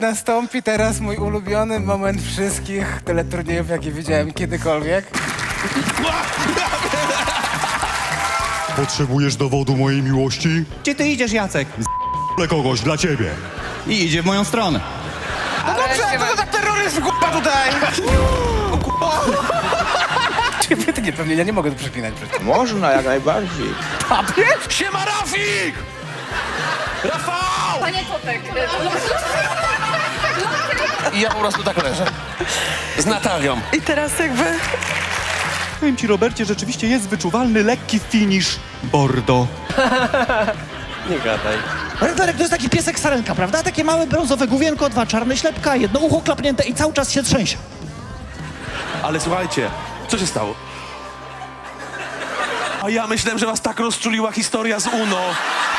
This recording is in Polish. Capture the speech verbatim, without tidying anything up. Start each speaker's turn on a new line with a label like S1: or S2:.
S1: Nastąpi teraz mój ulubiony moment wszystkich teleturniejów, jakie widziałem kiedykolwiek.
S2: Potrzebujesz dowodu mojej miłości?
S3: Gdzie ty idziesz, Jacek?
S2: Ale kogoś dla ciebie.
S3: I idzie w moją stronę.
S1: No dobrze, to to za terroryzm, k***a, tutaj! Ty nie, pewnie ja nie mogę tu przeklinać przecież.
S4: Można, jak najbardziej.
S5: Siema, Rafik! Rafał!
S6: Panie Totek,
S5: I ja po prostu tak leżę. Z Natalią.
S7: I teraz jakby...
S3: Powiem ci, Robercie, rzeczywiście jest wyczuwalny lekki finish Bordeaux.
S8: Redlerek to jest taki piesek sarenka, prawda? Takie małe brązowe główienko, dwa czarne ślepka, jedno ucho klapnięte i cały czas się trzęsie.
S5: Ale słuchajcie, co się stało? A ja myślałem, że was tak rozczuliła historia z UNO.